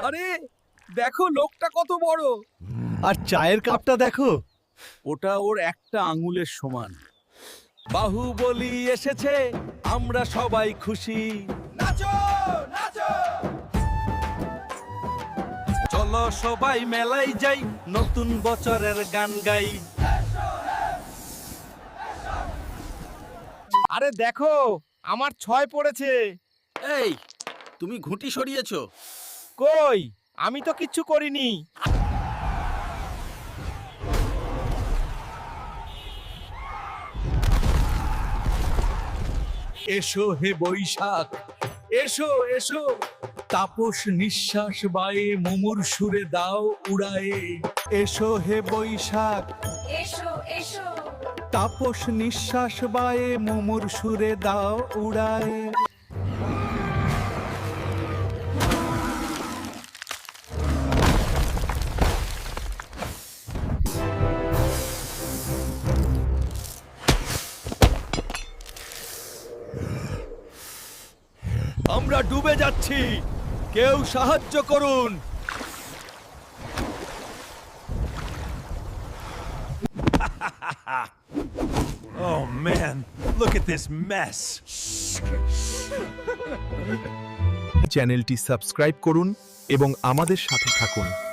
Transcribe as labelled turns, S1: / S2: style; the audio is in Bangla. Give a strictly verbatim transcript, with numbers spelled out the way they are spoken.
S1: আরে দেখো লোকটা কত বড়।
S2: আর চায়ের কাপটা দেখো।
S1: ওটা ওর একটা আঙুলের সমান। বাহুবলী এসেছে, আমরা সবাই খুশি। নাচো নাচো, চলো সবাই মেলায় যাই, নতুন বছরের গান গাই।
S3: আরে দেখো আমার ছয় পড়েছে।
S4: এই, তুমি ঘুঁটি সরিয়েছো?
S3: কই, আমি তো কিচ্ছু করিনি।
S1: এসো হে বৈশাখ, এসো এসো, তাপস নিঃশ্বাস বায়ে মুমুর সুরে দাও উড়ায়ে। এসো হে বৈশাখ,
S5: এসো এসো,
S1: তাপস নিঃশ্বাস বায়ে মুমুর সুরে দাও উড়ায়ে।
S2: আমরা ডুবে যাচ্ছি, কেউ সাহায্য করুন।
S6: Oh man, look at this mess.
S7: চ্যানেলটি সাবস্ক্রাইব করুন এবং আমাদের সাথে থাকুন।